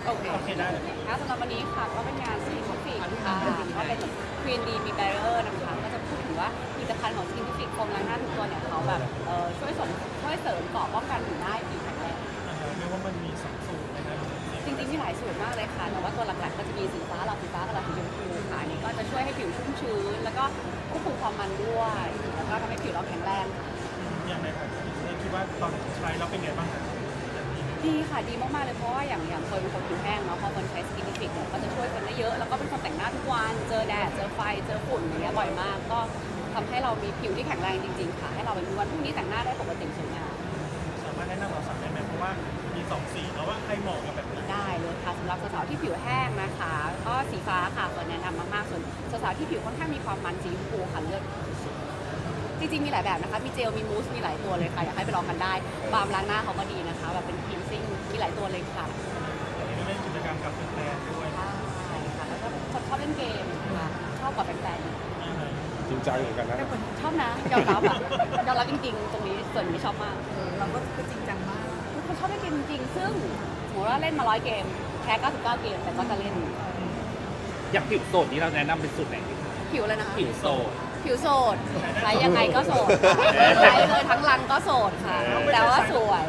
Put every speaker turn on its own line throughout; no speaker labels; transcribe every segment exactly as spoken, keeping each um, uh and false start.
โอเคโอเคได้ค่ะสำหรับวันนี้ค่ะก็เป็นงานสกินทิฟิกค่ะก็เป็นควีนดีมีแบรเออร์นะคะก็จะพูดถึงว่าผลิตภัณฑ์ของสกินทิฟิกโฟมล้างหน้าทุกตัวเนี่ยเขาแบบเออช่วยส่งช่วยเสริมเกราะป้องกันผิวหน้าให้ผิวแข็งแรง
เรียกว่ามันมีสองสูตรนะครับ
จริงๆมีหลายสูตรมากเลยค่ะแต่ว่าตัวหลักๆก็จะมีสีฟ้าหลอดสีฟ้ากับหลอดสีชมพูค่ะอันนี้ก็จะช่วยให้ผิวชุ่มชื้นแล้วก็ควบคุมความมันด้วยแล้วก็ทำให้ผิวเราแข็งแรงค่ะ
อย่างไรครับคิดว่าตอนใช้แล้วเป็นไงบ้างครับ
ดีค่ะดีมากๆเลยเพราะว่าอย่างอย่างเคยเป็นคนผิวแห้งเนาะพอคนใช้สกินทิฟิกเนี่ยก็จะช่วยคนได้เยอะแล้วก็เป็นคนแต่งหน้าทุกวันเจอแดดเจอไฟเจอฝุ่นอย่างเงี้ยบ่อยมากก็ทำให้เรามีผิวที่แข็งแรงจริงๆค่ะให้เราเป็นวันพรุ่งนี้แต่งหน้าได้ปกติสวยงาม
สามารถแนะนำเราสั่งได้ไหมเพราะว่ามีสองสีแล้วว่าใครเหมาะกับแบบนี้
ได้เลยค่ะสำหรับสาวๆที่ผิวแห้งนะคะก็สีฟ้าค่ะควรแนะนำมากๆส่วนสาวๆที่ผิวค่อนข้างมีความมันสีชมพูค่ะเลือกจริงๆมีหลายแบบนะคะมีเจลมีมูสมีหลายตัวเลยค่ะอยากให้ไปลองกันได้บาล์มล้างหน้าเขาก็ดีนะคะแบบเป็นคลีนซิ่งมีหลายตัวเลยค่ะ
เล่นกิจกรรมกับแฟนๆด้วย
ใช่ค่ะแล้วก็ชอบเล่นเกมค่ะชอบกว่าแฟน
จริงจังเหมือนกันนะ
ชอบนะยอมรับอ่ะยอมรับจริงๆตรงนี้ส่วนนี้ชอบมาก
เราก็จริงจังมาก
ทุกคนชอบเล่นเกมจริงๆซึ่งสมมติว่าเล่นมาร้อยเกมแพ้เก้าสิบเก้าเกมแต่ก็จะเล่น
อยากผิวโสดนี้เราแนะนำเป็นสูตรไหนดีคะ
ผิวเลยนะคะ
ผิวโสด
ผิวโสดใช้ยังไงก็โสดใช้เลยทั้งรังก็โสดค่ะแต่ว่าสวย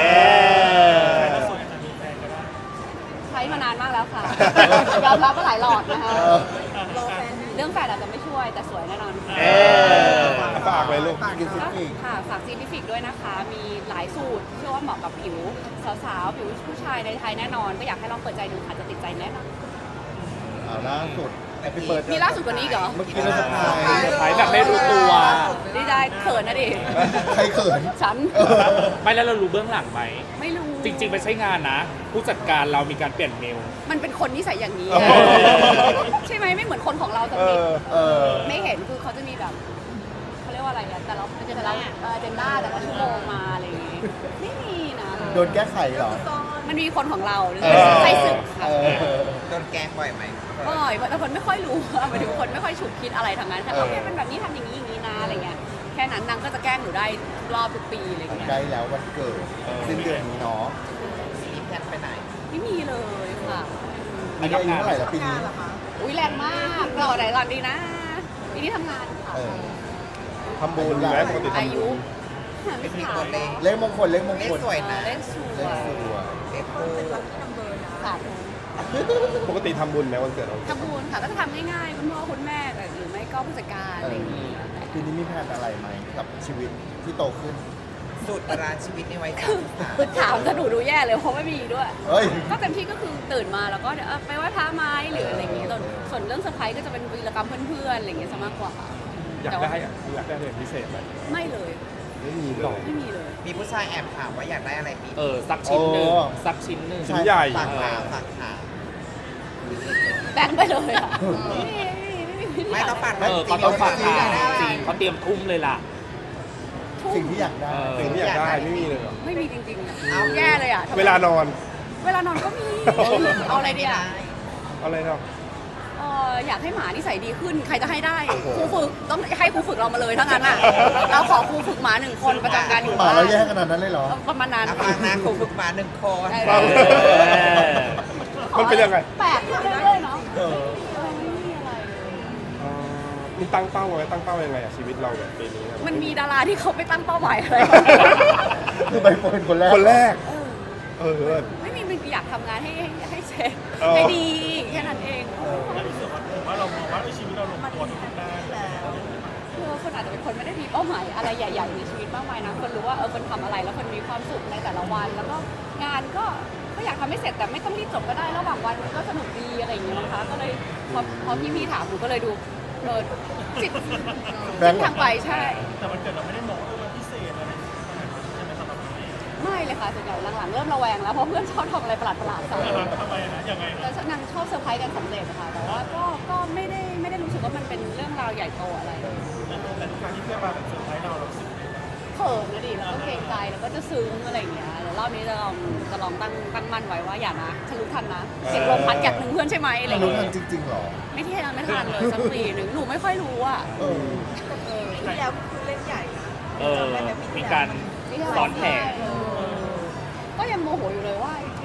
ใช้มานานมากแล้วค่ะยอมรับว่าหลายหลอดนะคะเรื่องแฟนอาจจะไม่ช่วยแต่สวยแน่นอน
ฝากเลยลูก
กินซิฟิกค่ะฝากซินทิฟิกด้วยนะคะมีหลายสูตรเชื่อว่าเหมาะกับผิวสาวๆผิวผู้ชายในไทยแน่นอนก็อยากให้ลองเปิดใจดูค่ะจะติดใจแน่นอน
ล่าสุดเปิด
มีล่าสุดกว่านี้เหรอ
เมื่อกี้เราสะพาย
ขายแบบไม่รู้ตัว
ดีใจเขินนะดิ
ใครเขิน
ฉัน
ไม่แล้วเรารู้เบื้องหลังไหม
ไม่รู้
จริงๆไม่ใช่งานนะผู้จัดการเรามีการเปลี่ยนเมล
มันเป็นคนนิสัยอย่างนี้ใช่ไหมไม่เหมือนคนของเราจะมีไม่เห็นคือเขาจะมีแบบเขาเรียกว่าอะไรอะแต่เราจะแต่ละเจนด้าแต่ละชั่วโมงมาอะไรอย่างงี้ไม่มีนะ
โดนแก้ไขเหรอ
มันมีคนของเราใครสึกค่ะ
โดนแกล้งบ่อยไหม
บ่อยแต่คนไม่ค่อยรู้หมายถึงคนไม่ค่อยฉุกคิดอะไรทางนั้นค่ะโอเคเป็นแบบนี้ทำอย่างนี้อย่างนี้นะอะไรเงี้ยแค่นั้นนางก็จะแกล้งหนูได้รอบทุกปีอะไรเงี้ย
ใกล้แล้ววันเกิดสิ้นเดือนนี้เนาะ
มีแพลนไปไหน
ไม่มีเลยค่ะ
อันนี้อายุเท่าไหร่แล้วปีนี้
อุ้ยแรงมากรอไหนก่อนดีนะปีนี้ทำงานค่ะ
ทำบุญแล้วปกติทำบุญ
เป็นมีตัวเลข
เลขมงคลเลขมงคล
สวยนะ
เลขสวยเลขส
วย
เลขคู่เป็นลัคกี้นัมเบอร์นะ
ค่ะ
ปกติทำบุญไหมวันเกิดเรา
ทำบุญค่ะก็จะทำง่ายๆคุณพ่อคุณแม่หรือไม่ก็ผู้จัดการอะไรอย่างนี้
ทีนี้มีแผนอะไรไหมกับชีวิตที่โตขึ้น
สูตรตารางชีวิตในวัยสามสิบสาม
คือถามจะหนูดูแย่เลยเพราะไม่มีด้วยก็เต็มที่ก็คือตื่นมาแล้วก็เดี๋ยวไปไหว้พระไม้หรืออะไรอย่างนี้ส่วนเรื่องเซอร์ไพรส์ก็จะเป็นวีรกรรมเพื่อนๆอะไรอย่างเงี้ยซะมากกว่า
อยากได้อยากได้อะไรพิเศษไหม
ไม่เลย
ไม่มีหรอก
ไม่มีเลย
มีผู้ชายแอบถามว่าอยากได้อะไรปี
เออสักชิ้นหนึ่งสักชิ้นหนึ่ง
ชิ้นใหญ่
ฝากถามฝากถาม
แบ่งไปเลยอ่ะ
ไม่ต้องฝาก
เออเขาต้องฝากถามจริงเขาเตรียมทุ่มเลยล่ะ
สิ่งที่อยากได้สิ่งที่อยากได้ไม่มีเลย
ไม่มีจริงๆเอาแย่เลยอ่ะ
เวลานอน
เวลานอนก็มีเอาอะไรดีอ่ะ
เอาอะไรเนาะ
เอออยากให้หมานิสัยดีขึ้นใครจะให้ได้ครูฝึกต้องให้ครูฝึกเรามาเลยทั้งนั้นอ่ะเราขอครูฝึกหมาหนึ่งคนประจำการอยู่
หมาเราแย่ขนาดนั้นเลยเหรอ
ประมาณนั้น
ประมาณนั้นครูฝึกหมาหนึ่งคน
มันเป็นยังไง
แปลกเรื่อยๆเนาะ
มีตั้งเป้าไว้ตั้งเป้ายังไงอะชีวิตเราแบบปีนี้
มันมีดาราที่เขาไปตั้งเป้าหมายอะไร
คือใบเฟิร์นคนแรกคนแรกเออ
ไม่มีมันอยากทำงานให้ให้เสร็จให้ดีแค่นั้นเอง
แล้วรู้สึกว่าเรามองว่าชีวิตเราลงตัวทุกด้าน
คือคนอาจจะเป็นคนไม่ได้มีเป้าหมายอะไรใหญ่ๆในชีวิตมากมายนะคนรู้ว่าเออคนทำอะไรแล้วคนมีความสุขในแต่ละวันแล้วก็งานก็ก็อยากทำให้เสร็จแต่ไม่ต้องรีบจบก็ได้ระหว่างวันมันก็สนุกดีอะไรอย่างเงี้ยนะคะก็เลยพอพอพี่ๆถามหนูก็เลยดูเออจิตทางไปใช่
แต่มันเกิดเราไม่ได้มองว่าพิเศษอะไรใช่ไหมสำหรับพี่
ไม่เลยค่ะส่วนใหญ่หลังๆเริ่มระแวงแล้วเพราะเพื่อนชอบทำอะไรประหลาดๆใส่
ทำไมนะยังไง
แต่นางชอบเซอร์ไพรส์กันสำเร็จค่ะแต่ว่าก็ก็ไม่ได้ไม่ได้รู้สึกว่ามันเป็นเรื่องราวใหญ่โตอะไร
แต่ทุกครั้งที่เพื่อนมาแบบเซอร์ไพรส์เราเราสึก
เขินนะดิแล้วก็เกรงใจแล้วก็จะซึ้งอะไรอย่างเงี้ยเดี๋ยวรอบนี้จะลองจะลองตั้งตั้งมั่นไว้ว่าอย่านะฉันรู้ทันนะเสียงลมพัดจากหนึ่งเพื่อนใช่ไหมอะไรอย่างเงี้ย
รู้ทันจริงๆหรอ
ไม่ที่ทันไม่ทันเลยสักปีหนึ่งหนูไม่ค่อยรู้อ่ะ
เออที่แล้วคือเล่นใหญ่นะ
เออมีการซ้อนแผน
ก็ยังโมโหอยู่เลยว่า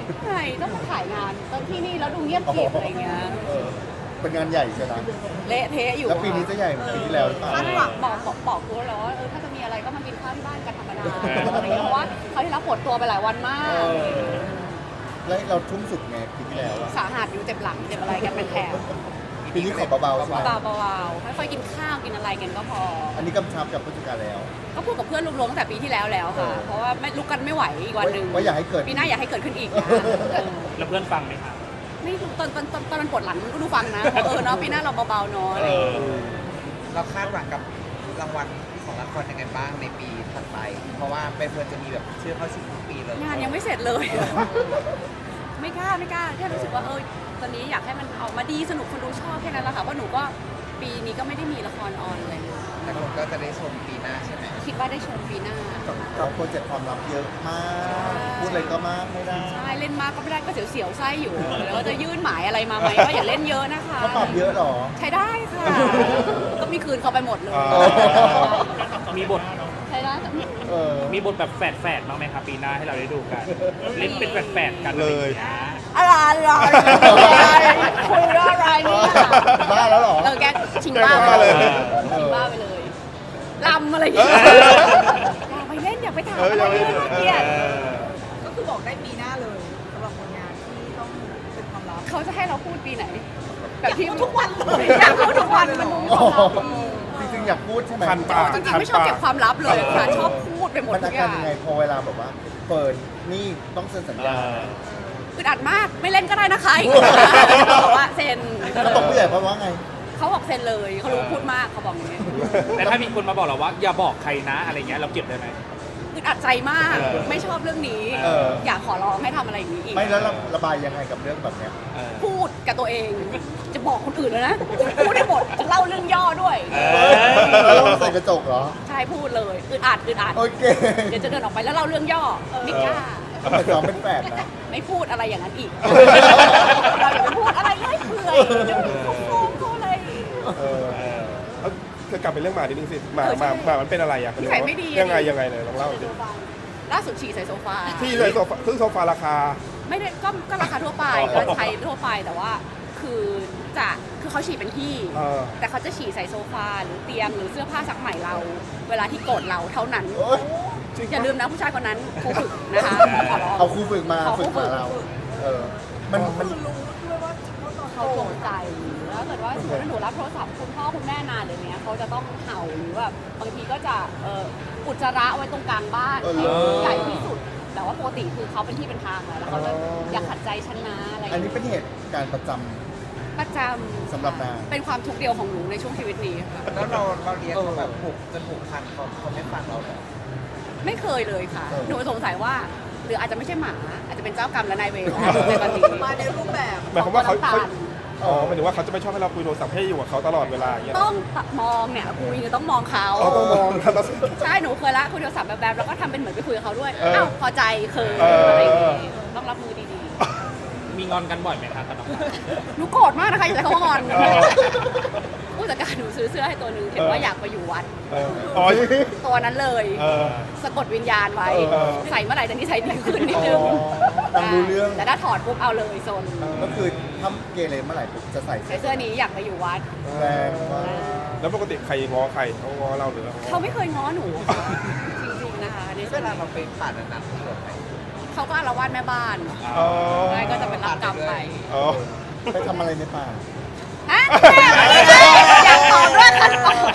ใช่ต้องมาถ่ายงานตอนที่นี่แล้วดูเงียบกริบอะไรเงี้ย
เออเป็นงานใหญ่ใช่ไหม
เละเทะอยู่
แล้วปีนี้จะใหญ่เหมือนปีที่แล้วหรือเปล่า
คาดหวังบอกบอกบอกตัวแล้วว่าเออถ้าจะมีอะไรก็มากินข้าวที่บ้านกันธรรมดาอะไรเงี้ยเพราะว่าเขาที่รับปวดตัวไปหลายวันมาก
เออแล้วเราทุ่มสุดไงปีที่แล้วอะ
สาหัสอยู่เจ็บหลังเจ็บอะไรกันเป็นแถบ
ปีนี้ขอเบาๆใช่ไหม
เบาๆค่อยๆกินข้าวกินอะไรกันก็พอ
อันนี้กำชับกับผู้จัดการแล้ว
ก็พูดกับเพื่อนรวมๆตั้งแต่ปีที่แล้วแล้วค่ะ
เออ
เพราะว่าไม่ลุกกันไม่ไหวอีกวันหนึ่ง
ว่าอย่าให้เกิด
ปีหน้าอย่าให้เกิดขึ้นอีกนะเออ
แล้วเพื่อนฟังไหมคะ
ไม่รู้ตอนตอนตอนตอนมันปวดหลังมันก็ดูฟังนะว่าเออเนาะปีหน้าเราเบาๆเนาะอะไรอย่างเงี้ย
เราคาดหวังกับรางวัลของละครยังไงบ้างในปีถัดไป เพราะว่าใบเฟิร์นจะมีแบบชื่อเข้าชิงทุกปีเลย
งานยังไม่เสร็จเลย ไม่กล้าไม่กล้าแค่รู้สึกว่าเออตอนนี้อยากให้มันออกมาดีสนุกคนดูชอบแค่นั้นแหละค่ะเพราะหนูก็ปีนี้ก็ไม่ได้มีละครออนอะไรเลย
แต่คนก็จะได้ชมปีหน้าใช่ไหม
คิดว่าได้ชมปีหน้า
กับโปรเจกต์ความลับเยอะมาก พูดอะไรก็มากไม่ได้
ใช่เล่นมากก็ไม่ได้ก็เสียวๆไส้อยู่แล้วจะยื่นหมายอะไรมาไหมก็อย่าเล่นเยอะนะคะ
เขาปรับเยอะเหรอ
ใช้ได้ค่ะ ก็มีคืนเขาไปหมดเลย
อ๋อ
มีบท
ใช้ได้
เออ
มีบทแบบแฝดๆบ้างไหมคะปีหน้าให้เราได้ดูกัน เล่นเป็นแฝดๆกัน
เลย
อะไรอย่างงี้
อะไรอะไรคุยเรื่องอะไรเนี่ย
บ้าแล้วเหรอ
เออแกชิงบ้าไปเลยชิงบ้าไปเลยลำอะไรอย่างเงี้ยอย่าไปเล่นอย่าไปถามอะไรเลยน่าเกลียด
ก็คือบอกได้ปีหน้าเลยสำหรับผลงานที่ต้องเป็นความลับ
เขาจะให้เราพูดปีไหนแบบที่ทุกวันเลยอยากพูดทุกวันมันดูความลับ
จริงๆอยากพูดใช่ไหม
คันปาก
จริงๆไม่ชอบเก็บความลับเลยค่ะชอบพูดไปหมด
มัน
ทุ
อาก
อ
การ
ย่าง
ยังไงพอเวลาแบบว่า เปิดนี่ต้องเซ็นสัญญา
อึดอัดมากไม่เล่นก็ได้นะคะบอกว่าเซ็น
แล้วตกผู้ใหญ่เพราะว่าไง
เขาบอกเซ็นเลยเขารู้พูดมากเขาบอกอย่างนี้
แต่ถ้ามีคนมาบอกเราว่าอย่าบอกใครนะอะไรเงี้ยเราเก็บได้ไหม
อึดอัดใจมาก
เออ
ไม่ชอบเรื่องนี้
เออ
อยากขอร้องให้ทำอะไรอย่างนี้อีก
ไม่แล้วระบายยังไงกับเรื่องแบบเนี้ย
เออ
พูดกับตัวเอง จะบอกคนอื่นเลยนะพูดให้หมดจะเล่าเรื่องย่อด้วย
เอ
แล้วเราใส่กระจกเหรอ
ใช่พูดเลยอึดอัดอึดอัด
โอเค
เดี๋ยวจะเดินออกไปแล้วเล่าเรื่องย่อไม่กล้า
ทำไมซ้อมเป็นแฝดนะ
ไม่พูดอะไรอย่างนั้นอีก เราอย่าไปพูดอะไรเรื่อยเปื่อยเดี๋ยวเขาฟ้องเขาอะไร
เออ
เอาจะกลับไปเรื่องหมานิดนึงสิหมา
เออ
ห
ใช่
มาหมามันเป็นอะไรอ่ะ
นิสัยไม่ดี
ยังไงยังไงเลยลองเล่าสิ
ล่าสุดฉี่ใส่โซฟา
ที่เลยโซฟาซึ่งโซฟาราคา
ไม่ได้ก็ก็ราคาทั่วไป
อ๋อ
ก็ใช้ทั่วไปแต่ว่าคือจะคือเขาฉี่เป็นที่
เออ
แต่เขาจะฉี่ใส่โซฟาหรือเตียงหรือเสื้อผ้าซักใหม่เรา เวลาที่โกรธเราเท่านั้น
โอ๊ย
อย่าลืมนะผู้ชายคนนั้นครูฝึกนะคะขอร้อง
เอาครูฝึกมา
ขอครู
ฝึก
ฝึ
มาก เรา เออ มันมัน
เขาตกใจแล้วเกิดว่าสมมติว่าหนูรับโทรศัพท์คุณพ่อคุณแม่นานเดี๋ยวนี้เขาจะต้องเห่าหรือแบบบางทีก็จะเอ่ออุจจาระไว้ตรงกลางบ้าน
เออ
ให้
เหรอ
ใหญ่ที่สุดแต่ว่าปกติคือเขาเป็นที่เป็นทางแล้วแล้วเขาจะ
อ๋ออ
อยากขัดใจฉันนะอะไรอย่าง
อันนี้
เงี้ย
เป็นเหตุการณ์ประจำ
ประจำ
สำหรับนาง
เป็นความทุกข์เดียวของหนูในช่วงชีวิตนี้ค่ะ
แล้วเราเราเลี้ยงเขาแบบผูกจนผูกพันเขาเขาไม่ฟังเราเลย
ไม่เคยเลยค่ะ
เออ
หนูสงสัยว่า หรืออาจจะไม่ใช่หมา อาจจะเป็นเจ้ากรรมและนายเวรแล้วในตอนนี้
มาในรูปแบบ
หมายความว่าเขา
ข
เขา
องคนน้ำตาล
อ๋อหมายถึงว่าเขาจะไม่ชอบให้เราคุยโทรศัพท์ให้อยู่กับเขาตลอดเวลาอย่างเงี้ย
ต้องมองเนี่ยคุยเนี่ยต้องมองเขา
เขาต้องมองนะแล้ว
ใช่หนูเคยละคุยโทรศัพท์แบบๆแล้วก็ทำเป็นเหมือนไปคุยกับเขาด้วย
เออ
อ้าวพอใจเคย
เอออ
อะไรอย่างงี้ต้องรับมือดี
มีงอนกันบ่อยไหมคะกับน้องหมา
ๆหนูโกรธมากนะคะอย่าใช้คำว่างอน
เออ
ผู้จัดการหนูซื้อเสื้อให้ตัวหนึ่งเขียนว่าอยากไปอยู่วัด
เอออ๋อ
ตัวนั้นเลย
เออ
สะกดวิญญาณไว้
เออ
ใส่เมื่อไหร่จะนิสัยดีขึ้นนิดนึง
อ๋อนางรู้เรื่อง
แต่ถ้าถอดปุ๊บเอาเลยโซน
ก็คือถ้าเกเรเมื่อไหร่ปุ๊บจะใส่
ใส่เสื้อนี้อยากไปอยู่วัด
แรงมาก
แล้วปกติใครง้อใครเขาง้อเราหรือเราง้อ
เขาไม่เคยง้อหนูค่ะจริงๆนะคะใน
เว
ส่วน
ลา
นี้
เราไปผ่านอันนั้นที่แบบไหน
เขาก็อาละวาดแม่บ้าน
อ๋อ
ใช่ก็จะเป็นรับกรรมไป
อ๋อ
ไปทำอะไรในป่า
ฮะอยากตอบด้วยคันตอบ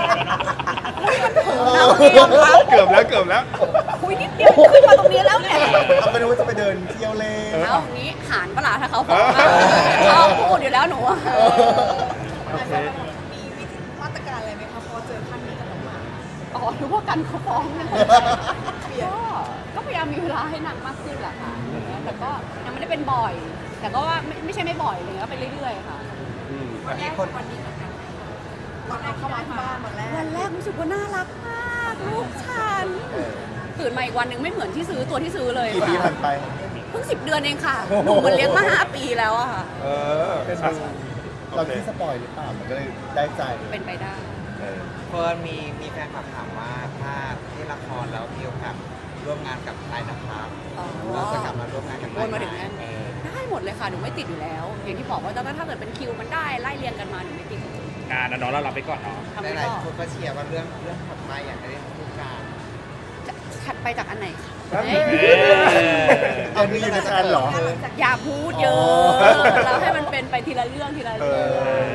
คุยมันเถิงนะวันนี้ยอมรับ
เกือบแล้วเกือบแล้ว
คุยนิดเดียวขึ้นมาตรงนี้แล้วเนี่ย
เอาไปดูว่าจะไปเดินเที่ยวเล่น
เอาอย่างนี้หานปะล่ะถ้าเขาฟ้องอะชอบพูดอยู่แล้วหนูอะ
โอเค
มีวิธีมาตรการอะไรไหมคะพอเจอขั้นนี้กับน้องหมา
อ๋อรู้ว่ากันเขาฟ้องนะ
เปลี่ยน
ก็ก็พยายามมีเวลาให้หนักมากขึ้นแหละค่ะแต่ก็ยังไม่ได้เป็นบ่อย แต่ก็ว่าไม่ไม่ใช่ไม่บ่อยเลยก็ไปเรื่อยๆค่ะ
อืม
วันนี้คนวันนี้เหมือนกันวันแรกเข้ามาที่บ้านวันแรก
วันแรกรู้สึกว่าน่ารักมากลูกฉันตื่นมาอีกวันหนึ่งไม่เหมือนที่ซื้อตัวที่ซื้อเลย
กี่ปีผ่านไป
เพิ่งสิบเดือนเองค่ะหนูมันเลี้ยงมาห้าปีแล้วอะค่ะ
เออ
เป็น
อ่ะ
ดู
โอ
เรา
เค
ที่สปอยหรือเปล่ามันก็เลยได้ใจ
เป็นไปได้
เออ
เฟิร์นมีมีแฟนคลับถามว่าถ้าที่ละครแล้วมีโอกาสร่วมงานกับไทยนะครับ
อ๋อ
เราจะกลับมาร่วมงานกับ
วนมาถึง
ไทย
นั้น
เออ
ได้หมดเลยค่ะหนูไม่ติดอยู่แล้ว อย่างที่บอกว่าถ้าเกิดเป็นคิวมันได้ไล่เรียงกันมาหนูไม่ติด
งานนะเนาะเรารับไปก่อนเนาะ
ทำไม่
หลาย
ก็
ๆคนก็เชียร์ว่าเรื่องเรื่องถัดไปอยากจะได้คู่กัน
จะถัดไปจากอันไหนคะ
แล้ว
เอ๊ะ
เอามีอยู่ในแฟนเหรอ
อย่าพูดเยอะเราให้มันเป็นไปทีละเรื่องทีละ
เอ
เรื่อง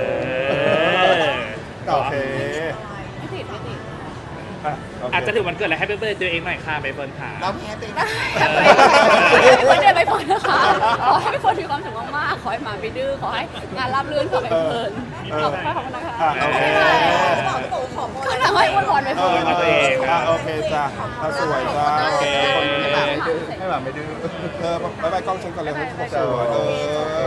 อ โอเค
ไม่ติดไม่ติด
อ่ะโเค
อาจจะถึงวันเกิดอะไรให้เพื่อนๆตัวเองหน่อยค่ะไปเฟิร์นขา
เราแพ้ตัวเอง
ไม่ได้ไปฝนนะคะขอให้ฝนมีความสุขมากๆขอให้หมาไม่ดื้อขอให้งานราบรื่นขอให้เพลินขอบคุณนะคะ
อ่ะโอเค
ก็ทำให้อ้วนพรไป
เอ
ฝ
อน
ตัวเอง
อ่ะโอเคจ้ะอ่ะสวยจ้ะ
โอเค
ให้แบบไม่ดื้อให้แบบไม่ดื้อเออบ๊ายบายกล้องฉันก่อนเลยให้ผมสวยเออ